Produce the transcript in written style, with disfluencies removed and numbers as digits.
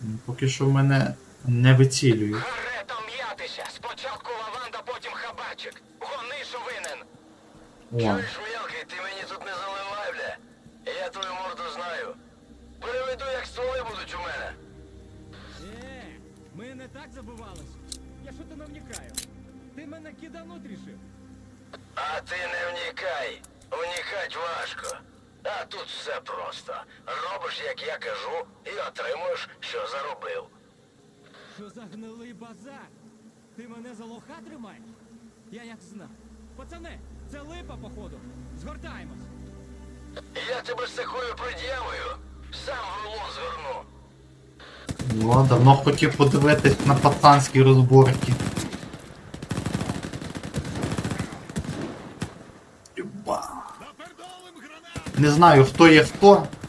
Поки що в мене не вицілюють. Гарето м'ятися! Спочатку лаванда, потім хабарчик. Гони, що винен. О, Чуєш, мелкий, ти мені тут не заливай, бля. Я твою морду знаю. Переведу, як стволи будуть у мене. Ми не так забивались. Я що то не вникаю. Ти мене кидануть рішив. А ти не вникай. Вникать важко. А тут все просто. Робиш, як я кажу, і отримуєш, що заробив. Що за гнилий базар? Ти мене за лоха тримаєш? Я як знав. Пацани, це липа, походу. Згортаємось. Я тебе з такою пред'явою сам в рулон зверну. ну, давно хотів подивитись на пацанські розборки. Юба. Не знаю, хто є хто,